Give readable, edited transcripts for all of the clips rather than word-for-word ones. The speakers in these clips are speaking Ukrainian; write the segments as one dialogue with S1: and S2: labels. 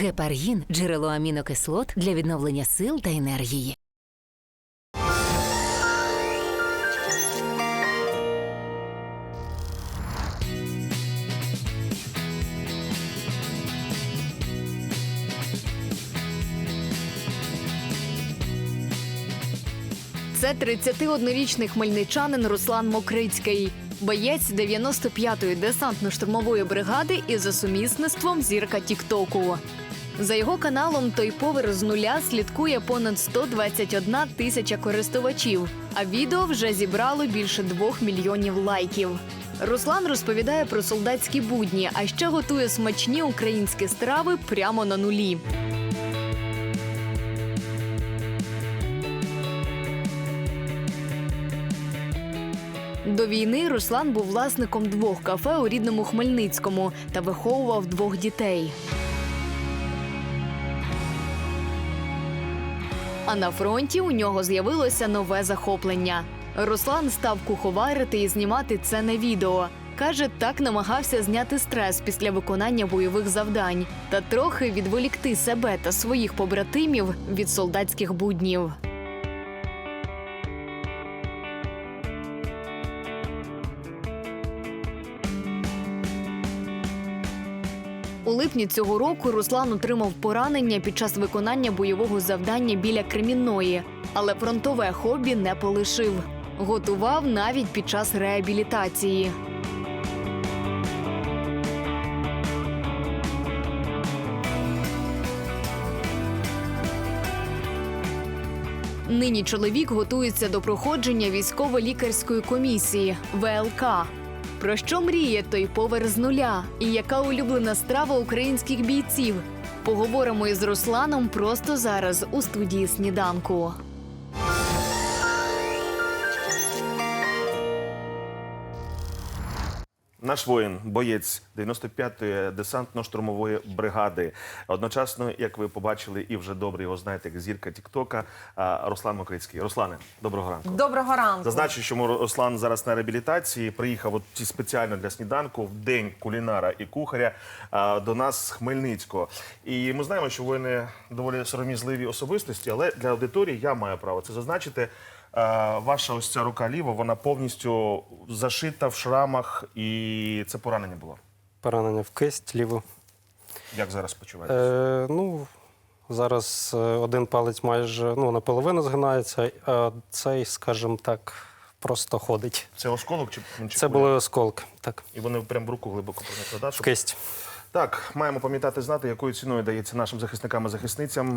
S1: Гепаргін – джерело амінокислот для відновлення сил та енергії.
S2: Це 31-річний хмельничанин Руслан Мокрицький. Боєць 95-ї десантно-штурмової бригади і за сумісництвом зірка Тік-Току. За його каналом «Той повер з нуля» слідкує понад 121 тисяча користувачів, а відео вже зібрало більше 2 мільйонів лайків. Руслан розповідає про солдатські будні, а ще готує смачні українські страви прямо на нулі. До війни Руслан був власником 2 кафе у рідному Хмельницькому та виховував 2 дітей. А на фронті у нього з'явилося нове захоплення. Руслан став куховарити і знімати це на відео. Каже, так намагався зняти стрес після виконання бойових завдань та трохи відволікти себе та своїх побратимів від солдатських буднів. У липні цього року Руслан отримав поранення під час виконання бойового завдання біля Кремінної. Але фронтове хобі не полишив. Готував навіть під час реабілітації. Нині чоловік готується до проходження військово-лікарської комісії – ВЛК. Про що мріє той повар з нуля? І яка улюблена страва українських бійців? Поговоримо із Русланом просто зараз у студії «Сніданку».
S3: Наш воїн, боєць 95-ї десантно-штурмової бригади. Одночасно, як ви побачили і вже добре його знаєте, як зірка Тік-Тока, Руслан Мокрицький. Руслане, доброго ранку.
S4: Доброго ранку.
S3: Зазначу, що Руслан зараз на реабілітації, приїхав спеціально для сніданку в день кулінара і кухаря до нас з Хмельницького. І ми знаємо, що воїни доволі сором'язливі особистості, але для аудиторії я маю право це зазначити. Ваша ось ця рука ліва, вона повністю зашита в шрамах, і це поранення було?
S5: Поранення в кисть ліву.
S3: Як зараз почуваєтесь?
S5: Зараз один палець майже наполовину згинається, а цей, скажімо так, просто ходить.
S3: Це осколок чи
S5: Це були осколки, так.
S3: І вони прямо в руку глибоко проникли, так?
S5: В кисть.
S3: Так, маємо пам'ятати, знати, якою ціною дається нашим захисникам і захисницям.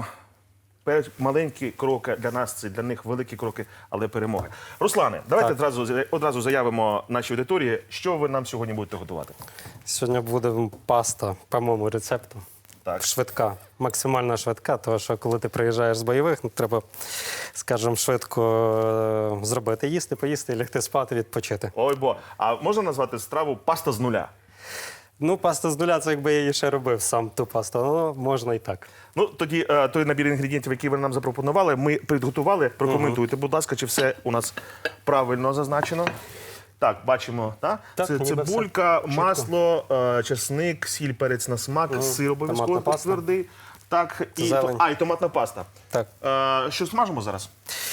S3: Маленькі кроки для нас, це для них великі кроки, але перемоги. Руслане, давайте одразу заявимо нашій аудиторії, що ви нам сьогодні будете готувати.
S5: Сьогодні буде паста по моєму рецепту.
S3: Так.
S5: Швидка, максимально швидка, тому що коли ти приїжджаєш з бойових, треба, скажімо, швидко зробити, їсти, поїсти, лягти спати, відпочити.
S3: Ой, а можна назвати страву «паста з нуля»?
S5: Паста з нуля, це якби я її ще робив сам, ту пасту, але можна і так.
S3: Тоді той набір інгредієнтів, який ви нам запропонували, ми підготували. Прокоментуйте, будь ласка, чи все у нас правильно зазначено. Так, бачимо, так? Це цибулька, масло, чесник, сіль, перець на смак, сир обов'язково твердий. Так, і томатна паста.
S5: Так.
S3: Що смажимо зараз?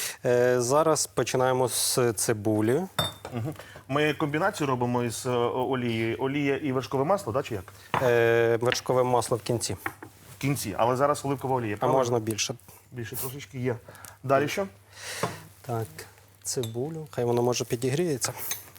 S5: Зараз починаємо з цибулі.
S3: Ми комбінацію робимо із олією. Олія і вершкове масло, так, чи як?
S5: Вершкове масло в кінці.
S3: В кінці, але зараз оливкова олія,
S5: А
S3: правильно?
S5: можна більше.
S3: Більше трошечки є. Далі що?
S5: Так, цибулю. Хай воно може підігріється.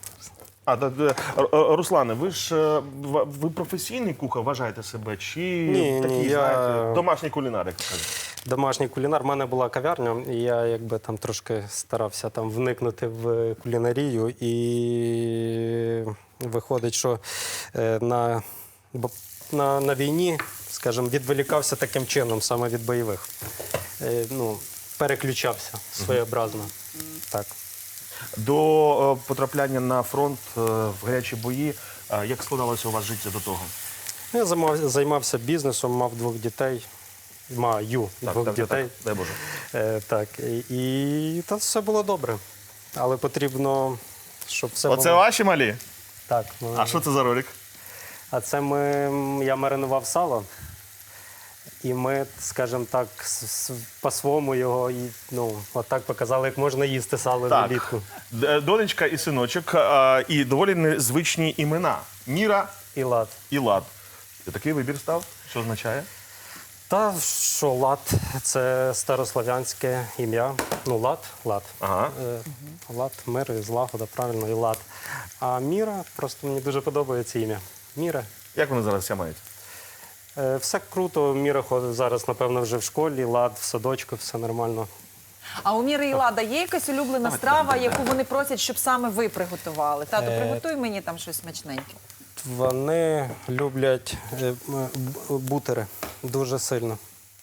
S3: Руслане, ви професійний кухар, вважаєте себе? Чи такий, знаєте, домашній кулінар, як кажуть?
S5: Домашній кулінар. У мене була кав'ярня, і я якби там трошки старався там вникнути в кулінарію. І виходить, що на війні, скажімо, відволікався таким чином, саме від бойових. Переключався своєобразно. Так.
S3: До потрапляння на фронт в гарячі бої, як складалося у вас життя до того?
S5: Я займався бізнесом, мав 2 дітей. Маю 2 дітей.
S3: Дай Боже.
S5: Так, і та все було добре. Але потрібно, щоб все було...
S3: Оце ваші малі?
S5: Так.
S3: А що це за ролик?
S5: А це я маринував сало І ми, скажімо так, по-своєму його отак показали, як можна їсти сало
S3: Так.
S5: влітку.
S3: Донечка і синочок, і доволі незвичні імена. Міра
S5: І лад.
S3: і Лад. Ти такий вибір став? Що означає?
S5: Та що лад це старослов'янське ім'я. Ну, лад.
S3: Ага.
S5: Лад, мир і злагода, правильно, і лад. А Міра, просто мені дуже подобається ім'я. Міра.
S3: Як вони зараз ся мають?
S5: Все круто, Міра ходить зараз, напевно, вже в школі, лад в садочку, все нормально.
S4: А у Міри і Лада є якась улюблена страва, яку вони просять, щоб саме ви приготували? Тато, приготуй мені там щось смачненьке.
S5: Вони люблять бутери дуже сильно.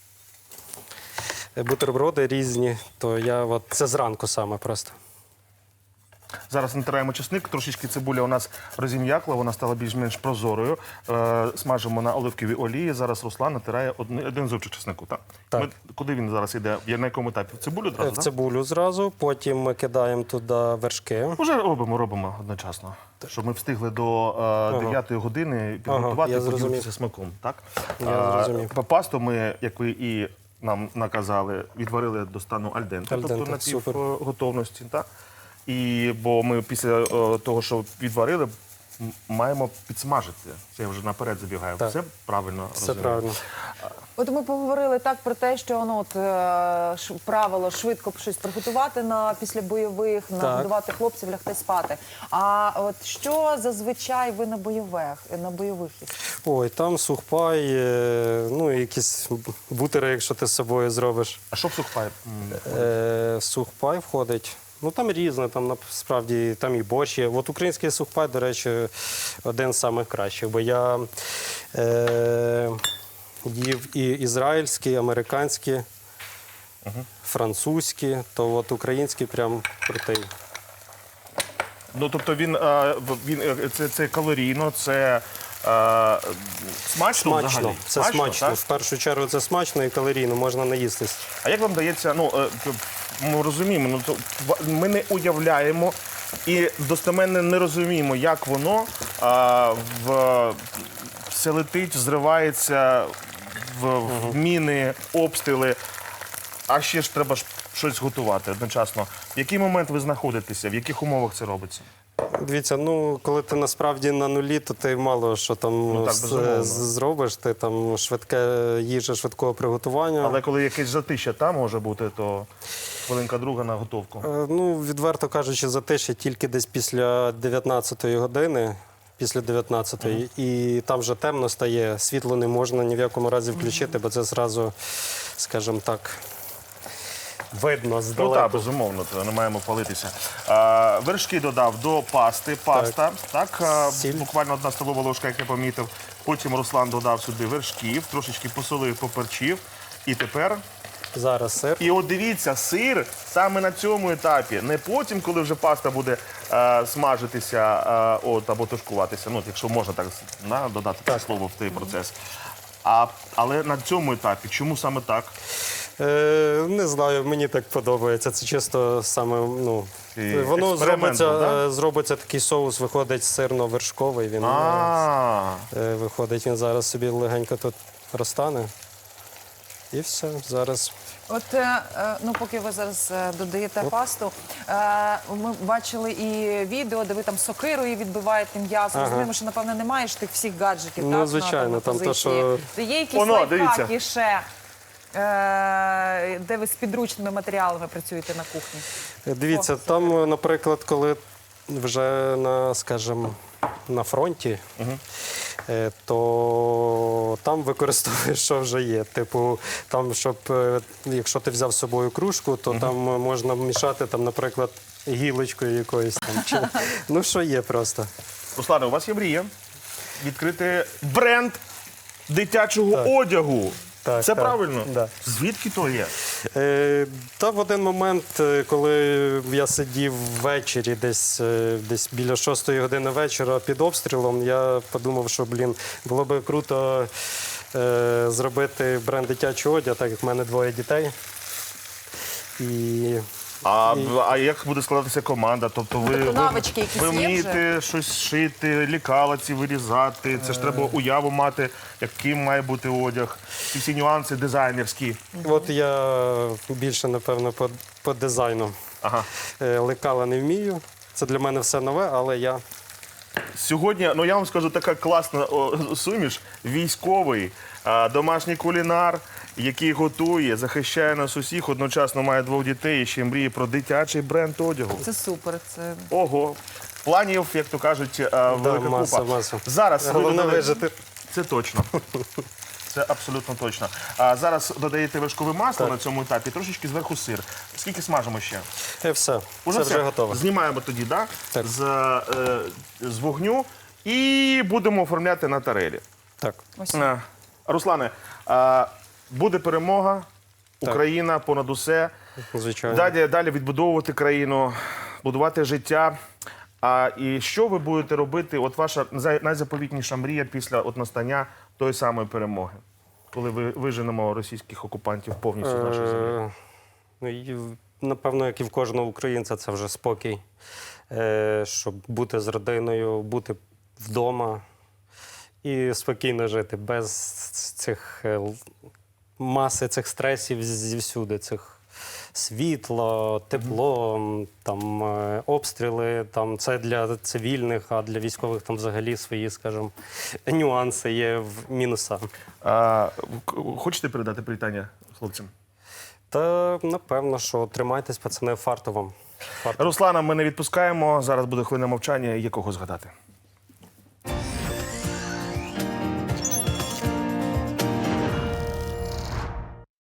S5: Бутерброди різні, то це зранку саме просто.
S3: Зараз натираємо чесник, трошечки цибуля у нас розім'якла, вона стала більш-менш прозорою. Смажимо на оливковій олії. Зараз Руслан натирає один зубчик чеснику. Так?
S5: Так.
S3: Куди він зараз йде? На якому етапі? В цибулю одразу?
S5: В
S3: так?
S5: цибулю зразу, потім ми кидаємо туди вершки.
S3: Уже робимо одночасно, щоб ми встигли до 9 години підготувати
S5: я
S3: і
S5: зрозумів.
S3: поділитися смаком. Так?
S5: Я зрозумів.
S3: Пасту ми, як ви і нам наказали, відварили до стану альденте,
S5: Альденте,
S3: тобто на
S5: супер.
S3: півготовності. Так? Бо ми після того, що відварили, маємо підсмажити. Це я вже наперед забігаю.
S5: Так.
S3: Все правильно
S5: Все
S3: розумію?
S5: правильно.
S4: От ми поговорили так про те, що правило швидко щось приготувати після бойових, нагодувати хлопців, лягти спати. А от що зазвичай ви на бойових їсте?
S5: Ой, там сухпай, якісь бутери, якщо ти з собою зробиш.
S3: А що в сухпай?
S5: Сухпай входить. Ну там різне, там насправді там і борщ є. От український сухпай, до речі, один з найкращих, бо я їв і ізраїльські, і американські, французькі, то от український прям крутий.
S3: Ну, тобто це калорійно, це смачно взагалі?
S5: Це смачно.
S3: так?
S5: В першу чергу це смачно і калорійно, можна наїстись.
S3: А як вам дається, ми розуміємо, ми не уявляємо і достеменно не розуміємо, як воно все летить, зривається в міни, обстріли, а ще ж треба щось готувати одночасно. В який момент ви знаходитеся, в яких умовах це робиться?
S5: Дивіться, коли ти насправді на нулі, то ти мало що там
S3: так, безумовно.
S5: зробиш. Ти там їжа швидкого приготування.
S3: Але коли якесь затища там може бути, то хвилинка друга на готовку.
S5: Відверто кажучи, затишя тільки десь після 19-ї години. Після 19-ї. І там вже темно стає, світло не можна ні в якому разі включити, бо це зразу, скажімо так, видно здалеку.
S3: Ну так, безумовно, то не маємо палитися. Вершки додав до пасти, паста, так,
S5: Сіль.
S3: буквально 1 столова ложка, як я помітив. Потім Руслан додав сюди вершків, трошечки посолив, поперчив. І тепер...
S5: Зараз сир.
S3: І от дивіться, сир саме на цьому етапі, не потім, коли вже паста буде смажитися або тушкуватися, якщо можна так додати це слово в цей процес. Але на цьому етапі, чому саме так?
S5: Не знаю, мені так подобається. Це чисто саме, воно
S3: експеримент,
S5: зробиться такий соус, виходить сирно-вершковий. Він виходить, він зараз собі легенько тут розтане. І все, зараз.
S4: От, поки ви зараз додаєте пасту, ми бачили і відео, де ви там сокирою відбиваєте м'ясо. Розуміємо, що, напевно, немає ж тих всіх гаджетів,
S5: Ну,
S4: так,
S5: звичайно,
S4: на
S5: там то,
S4: позиції.
S5: що-
S4: Де є якісь
S3: Воно,
S4: лайфхаки
S3: дивіться.
S4: ще, де ви з підручними матеріалами працюєте на кухні?
S5: Дивіться, там, наприклад, коли вже на фронті, то там використовуєш, що вже є. Типу, там, якщо ти взяв з собою кружку, то там можна мішати, наприклад, гілочкою якоюсь там. Що є просто.
S3: Руслане, у вас є мрія відкрити бренд дитячого одягу.
S5: Так,
S3: Це
S5: так,
S3: правильно?
S5: да.
S3: Звідки то є?
S5: Та в один момент, коли я сидів ввечері, десь біля 6-ї години вечора під обстрілом, я подумав, що, було би круто зробити бренд дитячого одягу, так як в мене 2 дітей. І
S3: А як буде складатися команда? Тобто
S4: Тобто навички якісь
S3: ви
S4: є
S3: вмієте щось шити, лікалаці вирізати? Це ж треба уяву мати, яким має бути одяг, ці всі нюанси дизайнерські.
S5: От я більше, напевно, по дизайну.
S3: Ага.
S5: Лекала не вмію. Це для мене все нове, але я
S3: Сьогодні, ну я вам скажу, така класна суміш. Військовий, домашній кулінар, який готує, захищає нас усіх, одночасно має 2 дітей і ще мріє про дитячий бренд одягу.
S4: Це супер. Це
S3: Ого. Планів, як то кажуть, велика
S5: маса,
S3: купа.
S5: маса.
S3: Зараз ви
S5: Головне
S3: додали-
S5: вижити.
S3: Це точно. Це абсолютно точно. А зараз додаєте вершкове масло на цьому етапі, трошечки зверху сир. Скільки смажимо ще?
S5: Все,
S3: Уже
S5: це
S3: все?
S5: вже готово.
S3: Знімаємо тоді, да?
S5: Так.
S3: З вогню і будемо оформляти на тарелі.
S5: Так.
S3: Руслане, буде перемога, Україна понад усе.
S5: Звичайно.
S3: Далі відбудовувати країну, будувати життя. І що ви будете робити? От ваша найзаповітніша мрія після настання тої самої перемоги, коли ви виженемо російських окупантів повністю з нашої землі?
S5: Ну, і, напевно, як і в кожного українця, це вже спокій. Щоб бути з родиною, бути вдома і спокійно жити, без цих маси цих стресів зівсюди, цих світло, тепло, там обстріли, там це для цивільних, а для військових там взагалі свої, скажімо, нюанси є в мінуса.
S3: Хочете передати привітання хлопцям?
S5: Та напевно, що тримайтесь, пацани, фартовом.
S3: Руслана, ми не відпускаємо. Зараз буде хвилина мовчання. Є кого згадати.